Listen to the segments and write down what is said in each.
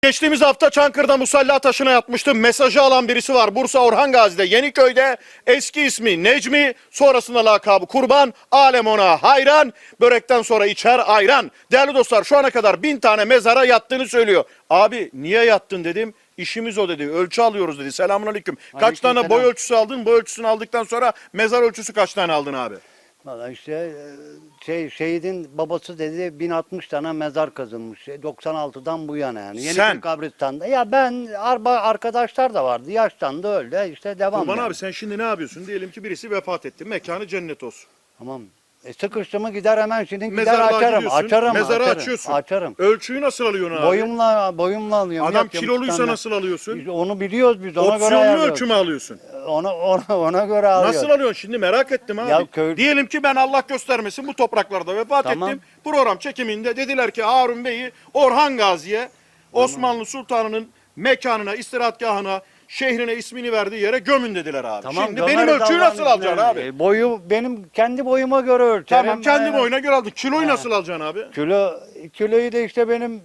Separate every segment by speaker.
Speaker 1: Geçtiğimiz hafta Çankırı'da musalla taşına yatmıştım. Mesajı alan birisi var. Bursa Orhan Gazi'de Yeniköy'de, eski ismi Necmi, sonrasında lakabı Kurban. Alem ona hayran. Börekten sonra içer ayran. Değerli dostlar, şu ana kadar 1000 tane mezara yattığını söylüyor. Abi niye yattın dedim. İşimiz o dedi. Ölçü alıyoruz dedi. Selamünaleyküm. Kaç tane boy ölçüsü aldın? Boy ölçüsünü aldıktan sonra mezar ölçüsü kaç tane aldın abi?
Speaker 2: Valla işte şehidin babası dedi 1060 tane mezar kazılmış. 96'dan bu yana yani. Yeniköy kabristan'da. Ya ben arkadaşlar da vardı. Yaştan da öyle. İşte devam.
Speaker 1: Kurban
Speaker 2: yani.
Speaker 1: abi sen şimdi ne yapıyorsun? Diyelim ki birisi vefat etti. Mekanı cennet olsun.
Speaker 2: Tamam. Sıkıştı mı gider hemen şimdi gider
Speaker 1: Mezarlığa
Speaker 2: açarım.
Speaker 1: gidiyorsun,
Speaker 2: Açarım.
Speaker 1: mezarı
Speaker 2: açarım,
Speaker 1: açıyorsun.
Speaker 2: Açarım.
Speaker 1: Ölçüyü nasıl alıyorsun abi?
Speaker 2: Boyumla alıyorum.
Speaker 1: Adam
Speaker 2: Yatıyorum,
Speaker 1: kiloluysa
Speaker 2: tutanlar.
Speaker 1: nasıl alıyorsun?
Speaker 2: Biz onu biliyoruz biz. Ona göre
Speaker 1: Opsiyonlu
Speaker 2: ayarlıyoruz.
Speaker 1: ölçü mü alıyorsun?
Speaker 2: Ona göre alıyoruz.
Speaker 1: Nasıl alıyorsun şimdi merak ettim abi.
Speaker 2: Ya
Speaker 1: Diyelim ki ben Allah göstermesin bu topraklarda vefat
Speaker 2: Tamam.
Speaker 1: ettim. Program çekiminde dediler ki Harun Bey'i Orhan Gazi'ye Osmanlı Sultanı'nın mekanına, istirahatgahına, şehrine ismini verdiği yere gömün dediler abi.
Speaker 2: Tamam,
Speaker 1: şimdi benim ölçüyü nasıl alacaksın abi?
Speaker 2: Boyu benim kendi boyuma göre ölçerim.
Speaker 1: Tamam kendi boyuna göre aldın. Kiloyu nasıl alacaksın abi?
Speaker 2: Kiloyu da işte benim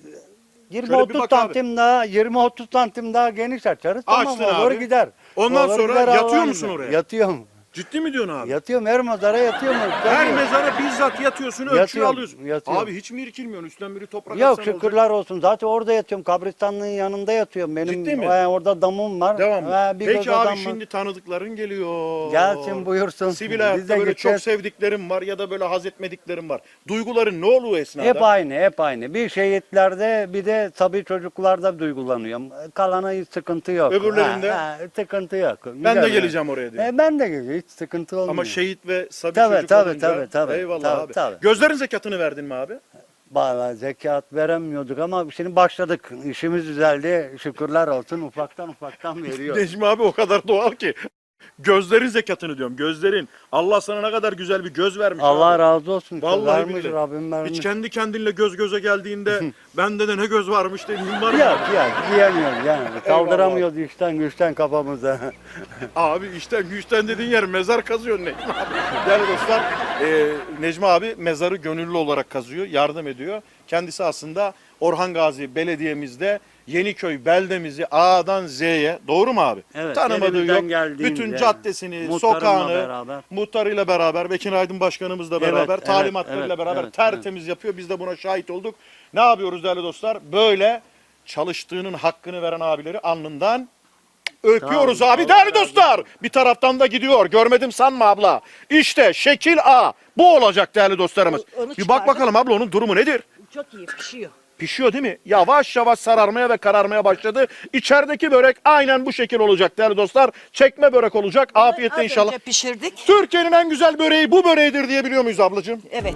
Speaker 1: bir
Speaker 2: 20-30
Speaker 1: bak
Speaker 2: santim daha 20-30 santim daha geniş açarız. Tamam
Speaker 1: Açtın
Speaker 2: olur
Speaker 1: abi.
Speaker 2: gider.
Speaker 1: Ondan
Speaker 2: Olur
Speaker 1: sonra
Speaker 2: gider,
Speaker 1: yatıyor
Speaker 2: Allah'ın
Speaker 1: musun
Speaker 2: izniyle.
Speaker 1: oraya?
Speaker 2: Yatıyorum.
Speaker 1: Ciddi mi diyorsun abi?
Speaker 2: Yatıyorum her mezara yatıyorum.
Speaker 1: Her mezara bizzat yatıyorsun, ölçüyü
Speaker 2: Yatıyorum,
Speaker 1: alıyorsun.
Speaker 2: yatıyorum.
Speaker 1: Abi hiç mi irkilmiyorsun? Üstten biri toprak
Speaker 2: Yok
Speaker 1: atsan
Speaker 2: şükürler olsun. Zaten orada yatıyorum. Kabristanlığın yanında yatıyorum. Benim
Speaker 1: Ciddi mi?
Speaker 2: Orada damım var.
Speaker 1: Devam.
Speaker 2: Bir
Speaker 1: Peki
Speaker 2: göz
Speaker 1: abi
Speaker 2: adam var.
Speaker 1: şimdi tanıdıkların geliyor.
Speaker 2: Gelsin buyursun.
Speaker 1: Sivil
Speaker 2: Biz
Speaker 1: hayatta
Speaker 2: de
Speaker 1: böyle çok
Speaker 2: gideceğiz.
Speaker 1: sevdiklerim var ya da böyle haz etmediklerim var. Duyguların ne oluyor esnada?
Speaker 2: Hep aynı, hep aynı. Bir şehitlerde bir de tabii çocuklarda duygulanıyorum. Kalana hiç sıkıntı yok.
Speaker 1: Öbürlerinde?
Speaker 2: Sıkıntı yok.
Speaker 1: Ben de geleceğim oraya diyor.
Speaker 2: Ben de geleceğim. Hiç sıkıntı olmuyor.
Speaker 1: Ama şehit ve sabi
Speaker 2: Tabii,
Speaker 1: çocuk
Speaker 2: tabii,
Speaker 1: olunca.
Speaker 2: tabii,
Speaker 1: Eyvallah
Speaker 2: tabii,
Speaker 1: abi.
Speaker 2: tabii.
Speaker 1: Gözlerin zekatını verdin mi abi?
Speaker 2: Vallahi zekat veremiyorduk ama şimdi başladık. İşimiz düzeldi. Şükürler olsun. Ufaktan veriyor.
Speaker 1: Necmi abi o kadar doğal ki. Gözlerin zekatını diyorum. Gözlerin. Allah sana ne kadar güzel bir göz vermiş.
Speaker 2: Allah
Speaker 1: abi.
Speaker 2: razı olsun.
Speaker 1: Vallahi
Speaker 2: vermiş,
Speaker 1: billahi.
Speaker 2: Rabbim vermiş.
Speaker 1: Hiç kendi kendinle göz göze geldiğinde bende de ne göz varmış dediğin var mı?
Speaker 2: Yok diyemiyoruz yani. Kaldıramıyoruz işten güçten kafamıza.
Speaker 1: Abi işten güçten dediğin yer mezar kazıyor Necmi abi. Değerli dostlar Necmi abi mezarı gönüllü olarak kazıyor, yardım ediyor. Kendisi aslında Orhan Gazi belediyemizde Yeniköy beldemizi A'dan Z'ye, doğru mu abi?
Speaker 2: Evet,
Speaker 1: Tanımadığı
Speaker 2: elimizden
Speaker 1: yok.
Speaker 2: geldiğince,
Speaker 1: Bütün caddesini,
Speaker 2: muhtarımla
Speaker 1: sokağını,
Speaker 2: beraber.
Speaker 1: muhtarıyla beraber, Bekir Aydın Başkanımızla beraber,
Speaker 2: Evet,
Speaker 1: talimatlarıyla
Speaker 2: evet,
Speaker 1: beraber
Speaker 2: evet,
Speaker 1: tertemiz yapıyor. Biz de buna şahit olduk. Ne yapıyoruz değerli dostlar? Böyle çalıştığının hakkını veren abileri alnından öpüyoruz
Speaker 2: Tamam,
Speaker 1: abi.
Speaker 2: Allah
Speaker 1: Değerli
Speaker 2: razı
Speaker 1: dostlar, bir taraftan da gidiyor. Görmedim sanma abla. İşte şekil A. Bu olacak değerli dostlarımız.
Speaker 3: Onu
Speaker 1: Bir bak
Speaker 3: çıkardım.
Speaker 1: bakalım abla onun durumu nedir?
Speaker 3: Çok iyi pişiyor.
Speaker 1: Pişiyor değil mi? Yavaş yavaş sararmaya ve kararmaya başladı. İçerideki börek aynen bu şekil olacak değerli dostlar. Çekme börek olacak. Afiyetle
Speaker 3: Az
Speaker 1: inşallah.
Speaker 3: önce pişirdik.
Speaker 1: Türkiye'nin en güzel böreği bu böreğidir diyebiliyor muyuz ablacığım?
Speaker 3: Evet.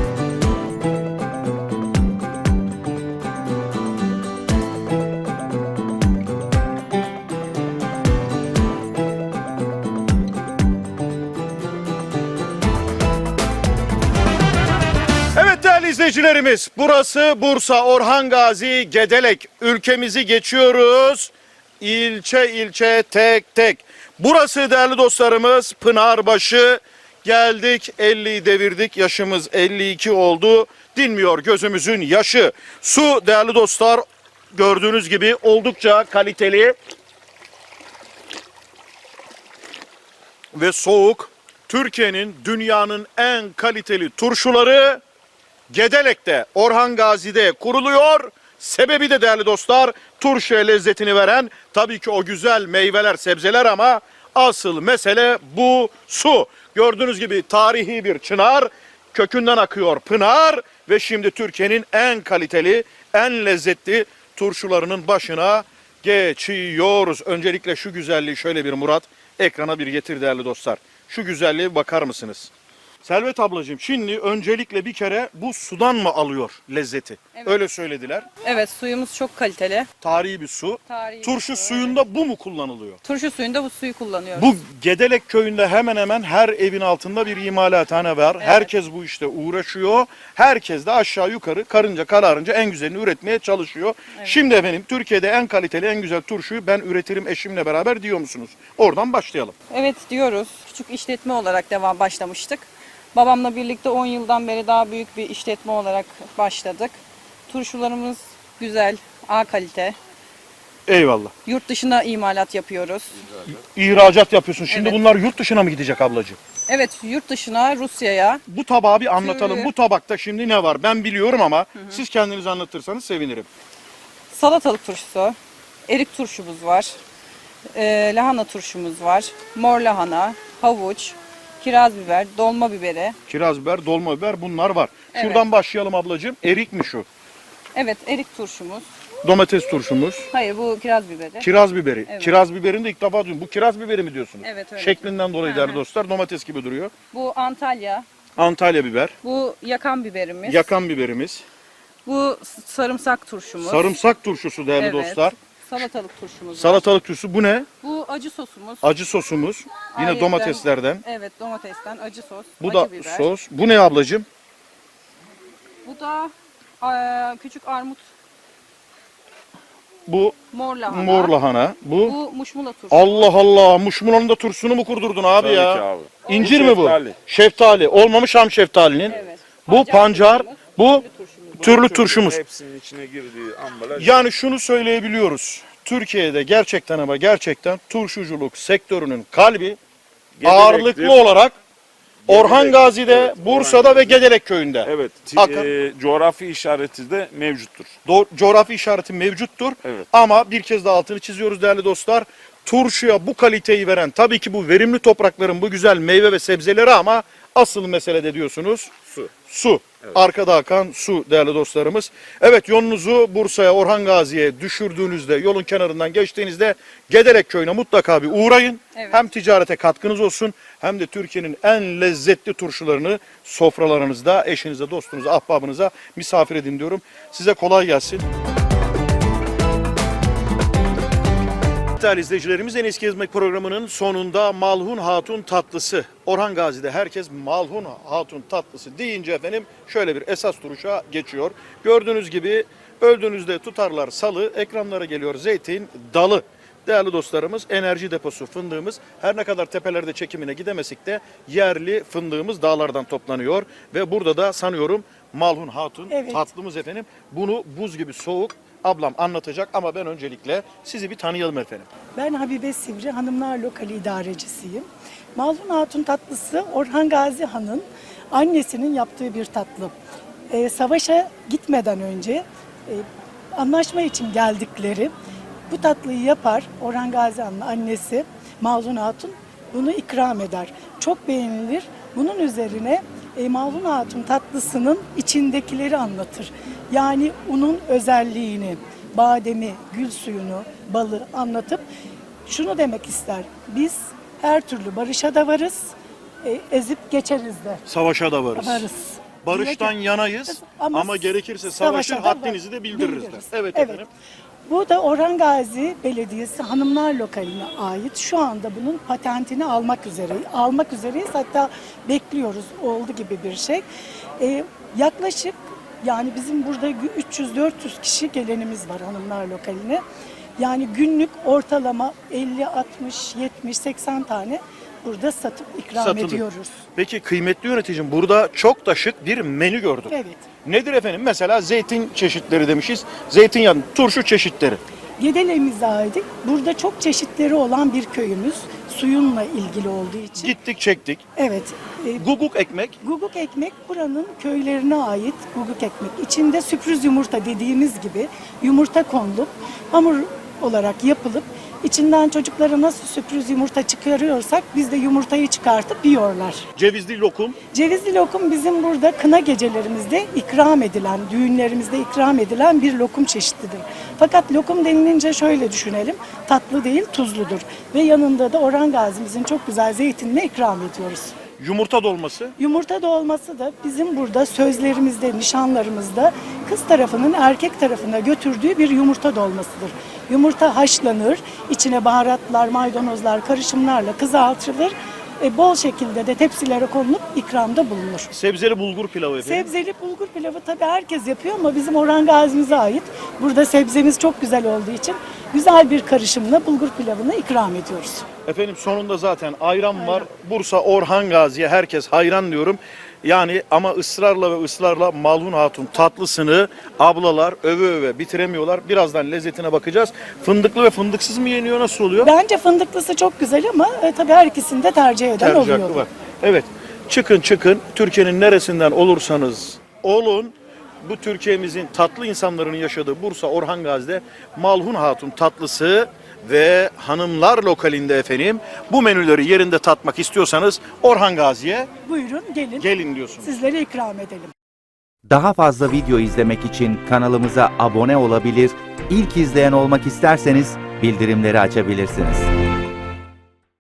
Speaker 1: Evet değerli izleyicilerimiz, burası Bursa Orhan Gazi Gedelek. Ülkemizi geçiyoruz. İlçe ilçe tek tek. Burası değerli dostlarımız Pınarbaşı. Geldik 50'yi devirdik. Yaşımız 52 oldu. Dinmiyor gözümüzün yaşı. Su değerli dostlar gördüğünüz gibi oldukça kaliteli ve soğuk. Türkiye'nin, dünyanın en kaliteli turşuları Gedelek'te, Orhan Gazi'de kuruluyor. Sebebi de değerli dostlar turşuya lezzetini veren tabii ki o güzel meyveler, sebzeler ama asıl mesele bu su. Gördüğünüz gibi tarihi bir çınar, kökünden akıyor pınar ve şimdi Türkiye'nin en kaliteli, en lezzetli turşularının başına geçiyoruz. Öncelikle şu güzelliği şöyle bir Murat ekrana bir getir değerli dostlar. Şu güzelliğe bir bakar mısınız? Selvet ablacığım şimdi öncelikle bir kere bu sudan mı alıyor lezzeti?
Speaker 4: Evet.
Speaker 1: Öyle söylediler.
Speaker 4: Evet, suyumuz çok kaliteli.
Speaker 1: Tarihi bir su.
Speaker 4: Tarihi
Speaker 1: Turşu
Speaker 4: bir su,
Speaker 1: suyunda bu mu kullanılıyor?
Speaker 4: Turşu suyunda bu suyu kullanıyoruz.
Speaker 1: Bu Gedelek köyünde hemen hemen her evin altında bir imalathane var.
Speaker 4: Evet.
Speaker 1: Herkes bu işte uğraşıyor. Herkes de aşağı yukarı karınca kararınca en güzelini üretmeye çalışıyor.
Speaker 4: Evet.
Speaker 1: Şimdi efendim Türkiye'de en kaliteli en güzel turşuyu ben üretirim eşimle beraber diyor musunuz? Oradan başlayalım.
Speaker 4: Evet diyoruz. Küçük işletme olarak başlamıştık. Babamla birlikte 10 yıldan beri daha büyük bir işletme olarak başladık. Turşularımız güzel, A kalite.
Speaker 1: Eyvallah.
Speaker 4: Yurt dışına imalat yapıyoruz.
Speaker 1: İhracat yapıyorsun. Şimdi
Speaker 4: Evet.
Speaker 1: bunlar yurt dışına mı gidecek ablacığım?
Speaker 4: Evet, yurt dışına, Rusya'ya.
Speaker 1: Bu tabağı bir anlatalım.
Speaker 4: Şöyle.
Speaker 1: Bu tabakta şimdi ne var? Ben biliyorum ama siz kendiniz anlatırsanız sevinirim.
Speaker 4: Salatalık turşusu, erik turşumuz var. Lahana turşumuz var. Mor lahana, havuç, kiraz biber, dolma biberi.
Speaker 1: Kiraz biber, dolma biber bunlar var.
Speaker 4: Evet.
Speaker 1: Şuradan başlayalım ablacığım. Erik mi şu?
Speaker 4: Evet, erik turşumuz.
Speaker 1: Domates turşumuz.
Speaker 4: Hayır, bu kiraz biberi.
Speaker 1: Kiraz biberi.
Speaker 4: Evet.
Speaker 1: Kiraz biberini de ilk defa duydum. Bu kiraz biberi mi diyorsunuz?
Speaker 4: Evet, öyle.
Speaker 1: Şeklinden dolayı
Speaker 4: Hı
Speaker 1: değerli
Speaker 4: hı.
Speaker 1: dostlar domates gibi duruyor.
Speaker 4: Bu Antalya.
Speaker 1: Antalya biber.
Speaker 4: Bu yakan biberimiz.
Speaker 1: Yakan biberimiz.
Speaker 4: Bu sarımsak turşumuz.
Speaker 1: Sarımsak turşusu değerli
Speaker 4: Evet.
Speaker 1: dostlar.
Speaker 4: Salatalık turşumuz var.
Speaker 1: Salatalık turşusu. Bu ne?
Speaker 4: Bu acı sosumuz.
Speaker 1: Acı sosumuz. Yine
Speaker 4: Ayrıca-
Speaker 1: domateslerden.
Speaker 4: Evet, domatesten acı sos.
Speaker 1: Bu
Speaker 4: acı
Speaker 1: da
Speaker 4: biber.
Speaker 1: sos. Bu ne ablacığım?
Speaker 4: Bu da küçük armut,
Speaker 1: Bu
Speaker 4: mor lahana.
Speaker 1: mor lahana. Bu
Speaker 4: Bu muşmula turşusu.
Speaker 1: Allah Allah. Muşmulanın da turşusunu mu kurdurdun abi
Speaker 3: Tabii
Speaker 1: ya?
Speaker 3: ki abi.
Speaker 1: İncir
Speaker 3: Bu
Speaker 1: mi bu?
Speaker 3: şeftali.
Speaker 1: Şeftali. Olmamış ham şeftalinin.
Speaker 4: Evet.
Speaker 1: Bu pancar.
Speaker 4: turşumuz,
Speaker 1: Bu
Speaker 4: türlü turşumuz.
Speaker 1: türlü turşumuz.
Speaker 3: Hepsinin içine girdiği ambalaj.
Speaker 1: Yani şunu söyleyebiliyoruz. Türkiye'de gerçekten ama gerçekten turşuculuk sektörünün kalbi ağırlıklı olarak Orhan Gazi'de,
Speaker 3: evet,
Speaker 1: Bursa'da
Speaker 3: Orhan
Speaker 1: ve
Speaker 3: Gazi'de.
Speaker 1: Gedelek köyünde.
Speaker 3: Evet.
Speaker 1: Hakan.
Speaker 3: Coğrafi işareti de mevcuttur.
Speaker 1: Coğrafi işareti mevcuttur.
Speaker 3: Evet.
Speaker 1: Ama bir kez daha altını çiziyoruz değerli dostlar. Turşuya bu kaliteyi veren tabii ki bu verimli toprakların bu güzel meyve ve sebzeleri ama asıl mesele de diyorsunuz
Speaker 3: Su.
Speaker 1: su. Arkada akan su değerli dostlarımız. Evet yolunuzu Bursa'ya, Orhan Gazi'ye düşürdüğünüzde, yolun kenarından geçtiğinizde Gedelek köyüne mutlaka bir uğrayın.
Speaker 4: Evet.
Speaker 1: Hem ticarete katkınız olsun hem de Türkiye'nin en lezzetli turşularını sofralarınızda eşinize, dostunuza, ahbabınıza misafir edin diyorum. Size kolay gelsin. Değerli izleyicilerimiz En Eski Gezmek programının sonunda Malhun Hatun tatlısı. Orhan Gazi'de herkes Malhun Hatun tatlısı deyince efendim şöyle bir esas duruşa geçiyor. Gördüğünüz gibi öldüğünüzde tutarlar salı, ekranlara geliyor zeytin dalı. Değerli dostlarımız enerji deposu fındığımız her ne kadar tepelerde çekimine gidemesek de yerli fındığımız dağlardan toplanıyor. Ve burada da sanıyorum Malhun Hatun
Speaker 5: Evet.
Speaker 1: tatlımız efendim. Bunu buz gibi soğuk ablam anlatacak ama ben öncelikle sizi bir tanıyalım efendim.
Speaker 5: Ben Habibe Sivri, Hanımlar Lokali idarecisiyim. Malhun Hatun tatlısı Orhan Gazi Han'ın annesinin yaptığı bir tatlı. Savaşa gitmeden önce anlaşma için geldikleri bu tatlıyı yapar. Orhan Gazi Han'ın annesi Malhun Hatun bunu ikram eder. Çok beğenilir. Bunun üzerine Malhun Hatun tatlısının içindekileri anlatır. Yani unun özelliğini, bademi, gül suyunu, balı anlatıp şunu demek ister. Biz her türlü barışa da varız, ezip geçeriz de
Speaker 1: Savaşa da varız.
Speaker 5: varız.
Speaker 1: Barıştan
Speaker 5: Diye-
Speaker 1: yanayız ama gerekirse savaşın
Speaker 5: savaşa da
Speaker 1: haddinizi de bildiririz.
Speaker 5: bildiririz.
Speaker 1: Evet efendim.
Speaker 5: Bu da Orhan Gazi Belediyesi Hanımlar Lokali'ne ait. Şu anda bunun patentini almak üzereyiz. Hatta bekliyoruz. Oldu gibi bir şey. Yaklaşık yani bizim burada 300-400 kişi gelenimiz var Hanımlar Lokali'ne. Yani günlük ortalama 50, 60, 70, 80 tane burada satıp ikram
Speaker 1: Satılıyor.
Speaker 5: ediyoruz.
Speaker 1: Peki kıymetli yöneticim burada çok da şık bir menü gördüm.
Speaker 5: Evet.
Speaker 1: Nedir efendim? Mesela zeytin çeşitleri demişiz. Zeytinyağı, turşu çeşitleri.
Speaker 5: Gedele'mize ait. Burada çok çeşitleri olan bir köyümüz. Suyunla ilgili olduğu için.
Speaker 1: Gittik çektik.
Speaker 5: Evet.
Speaker 1: Guguk ekmek.
Speaker 5: Guguk ekmek buranın köylerine ait guguk ekmek. İçinde sürpriz yumurta dediğimiz gibi yumurta konulup hamur olarak yapılıp içinden çocuklara nasıl sürpriz yumurta çıkarıyorsak biz de yumurtayı çıkartıp yiyorlar.
Speaker 1: Cevizli lokum.
Speaker 5: Cevizli lokum bizim burada kına gecelerimizde ikram edilen, düğünlerimizde ikram edilen bir lokum çeşididir. Fakat lokum denilince şöyle düşünelim, tatlı değil tuzludur. Ve yanında da Orhan Gazi'mizin çok güzel zeytinini ikram ediyoruz.
Speaker 1: Yumurta dolması.
Speaker 5: Yumurta dolması da bizim burada sözlerimizde, nişanlarımızda kız tarafının erkek tarafına götürdüğü bir yumurta dolmasıdır. Yumurta haşlanır, içine baharatlar, maydanozlar, karışımlarla kızartılır. Bol şekilde de tepsilere konulup ikramda bulunur.
Speaker 1: Sebzeli bulgur pilavı efendim.
Speaker 5: Sebzeli bulgur pilavı tabii herkes yapıyor ama bizim Orhan Gazi'mize ait. Burada sebzemiz çok güzel olduğu için güzel bir karışımla bulgur pilavını ikram ediyoruz.
Speaker 1: Efendim sonunda zaten ayran var. Bursa Orhan Gazi'ye herkes hayran diyorum. Yani ama ısrarla ve ısrarla Malhun Hatun tatlısını ablalar öve öve bitiremiyorlar. Birazdan lezzetine bakacağız. Fındıklı ve fındıksız mı yeniyor, nasıl oluyor?
Speaker 5: Bence fındıklısı çok güzel ama tabii her ikisini de tercih eden
Speaker 1: Tercih
Speaker 5: oluyor.
Speaker 1: hakkı var. Evet. Çıkın Türkiye'nin neresinden olursanız olun, bu Türkiye'mizin tatlı insanların yaşadığı Bursa Orhan Gazi'de Malhun Hatun tatlısı ve hanımlar lokalinde efendim bu menüleri yerinde tatmak istiyorsanız Orhan Gazi'ye
Speaker 5: Buyurun gelin.
Speaker 1: gelin diyorsunuz.
Speaker 5: Sizlere ikram edelim.
Speaker 6: Daha fazla video izlemek için kanalımıza abone olabilir, ilk izleyen olmak isterseniz bildirimleri açabilirsiniz.